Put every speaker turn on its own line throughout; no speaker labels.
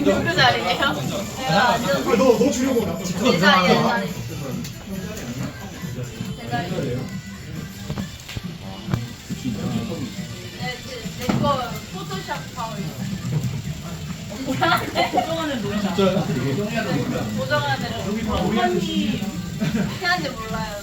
누구 자리예요? 내가 완전
너 주려고 나.
내 자리야, 내 자리. 내 자리. 내거 포토샵 파워.
고정하는 노래.
진짜요?
고정하는
어머니.
해야지 몰라요.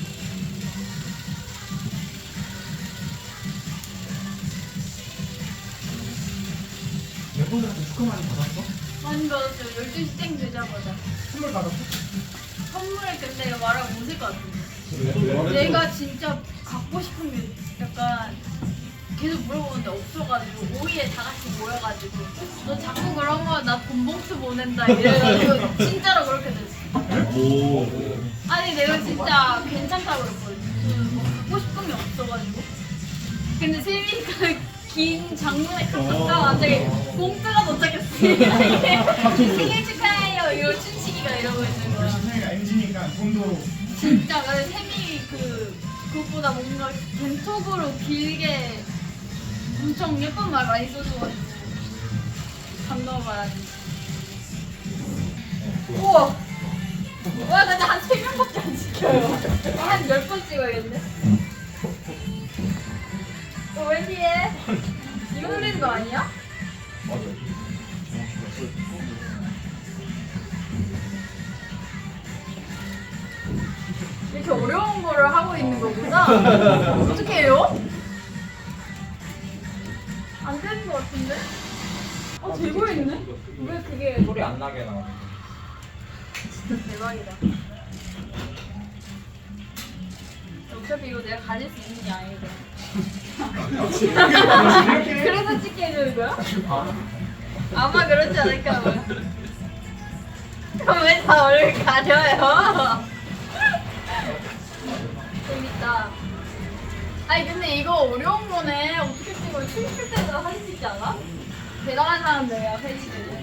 멤버들한테 축하 많이 받았어?
많이 받았어요. 12시 땡 되자마자.
선물 받았어?
선물을 근데 말하면 못할 것 같은데. 내가 진짜 갖고 싶은 게 약간 계속 물어보는데 없어가지고 5위에 다 같이 모여가지고 너 자꾸 그러면 나 돈봉투 보낸다 이래가지고 진짜로 그렇게 됐어.
오.
아니 내가 진짜 괜찮다고 그랬거든. 뭐 갖고 싶은 게 없어가지고. 근데 세미가 긴 장문에 깎았다 갑자기 봉투가 도착했어. 생일 축하해요. 이거 춘식이가 이러고 있는 거야.
신생이가 MG니까 돈도
진짜 근데 세미 그것보다 뭔가 벤톡으로 길게 엄청 예쁜 말 많이 써줘가지고 감동을 받았지. 우와! 와 근데 한 3명밖에 안 지켜요. 한 10번 찍어야겠네. 웬디에? 이거 놀리는 거 아니야? 이렇게 어려운 거를 하고 있는 거구나. 어떻게 해요? 안 되는 거 같은데? 되고 있네? 왜 그게
소리 안 나게 나와.
진짜 대박이다. 어차피 이거 내가 가질 수 있는 게 아니거든. 그래서 찍게 해주는 거야? 아마 그렇지 않을까 봐요. 그럼 왜 다 얼굴 가려요? 재밌다. 아니 근데 이거 어려운 거네. 어떻게 찍어? 춤출 때도 할 수 있지 않아? 대단한 사람들이야, 팬시들이.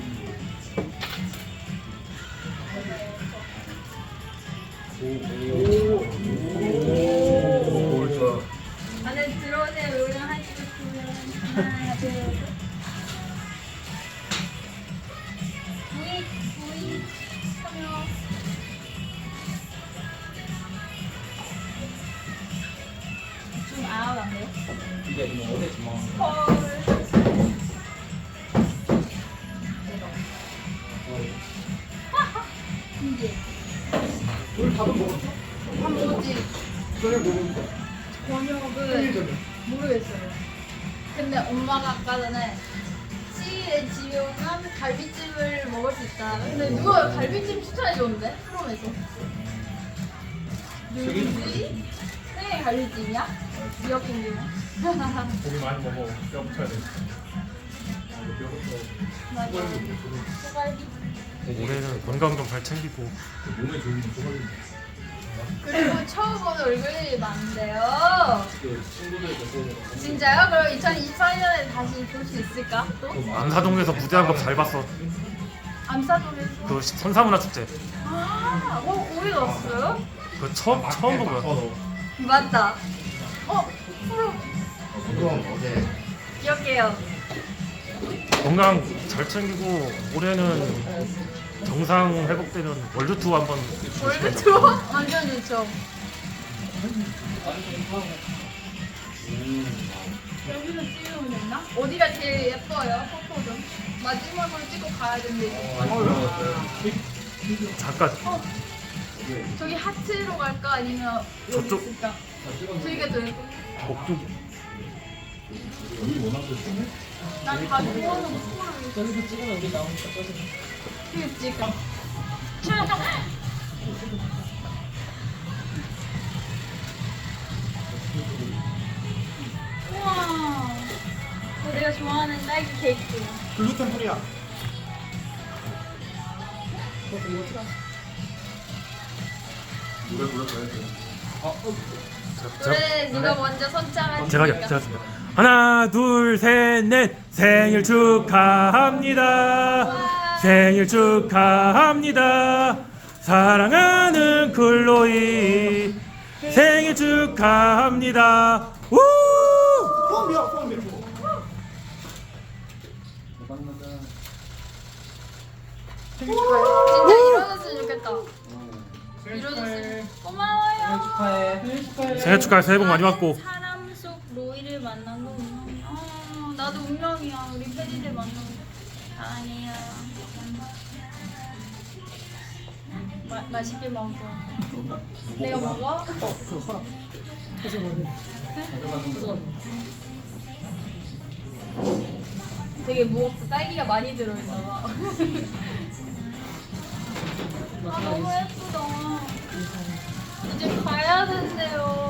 오. 좋아.
안에 들어오세요. 요령 하시고 싶으면 하나, 둘, 셋. 부이, 참여. 좀 아웃 안 돼요?
이게 뭐 어디 뭐.
헐. 이제
오늘 밥은 먹었어?
밥 먹었지.
저녁 먹었어?
저녁은 모르겠어요. 근데 엄마가 아까 전에 시일에 집에 오면 갈비찜을 먹을 수 있다. 근데 누가 갈비찜 추천해줬는데? 프롬에서. 누구지? 생일 갈비찜이야? 미역국이야?
고기 많이 먹어. 뼈 붙여야 돼.
맞아. 소갈비.
올해는 건강 좀 잘 챙기고
몸에 좋은 소갈비.
그리고 처음 보는 얼굴이 많은데요.
그 친구들 그
진짜요? 그럼 2024년에 다시 볼 수 있을까? 또?
안사동에서 무대한 거 잘 봤어.
암사동에서.
그 선사문화 축제
아, 거기 갔어요?
그 처음 본 거야.
맞다. 프로
그럼 어제
기억해요.
건강 잘 챙기고 올해는 정상 회복되면 월드 투어 한번
월드 투어? 완전 좋죠. 여기서 찍으면 됐나? 어디가 제일 예뻐요? 포토 좀. 마지막으로 찍고 가야 된대.
잠깐
저기 하트로 갈까? 아니면 여기
저쪽.
있을까? 저기가 더 예뻐.
목쪽
난다 좋아하는 스토리.
저기서 찍으면 여기 나오니까 저기.
그게 찍어. 우와. 내가 좋아하는 딸기 케이크.
글루텐 프리야. 노래 불러줘야 돼.
노래 누가 먼저 선창할지.
제가 했습니다. 하나 둘 셋 넷 생일 축하합니다. 생일 축하합니다. 사랑하는 클로이 생일 축하합니다. 우!
포함이야, 포함이야. 생일 축하해.
진짜 이뤄졌으면 좋겠다.
생일
이뤄졌으면.
축하해.
고마워요.
축하해.
생일 축하해. 새해 복 많이 받고.
사람 속 로이를 만난 거 운명이야. 나도 운명이야. 우리 패디들 만난 거. 아니야. 맛있게 먹어. 내가 먹어? 되게 무겁고 딸기가 많이 들어있나 봐. 아 너무 예쁘다. 이제 가야 된대요.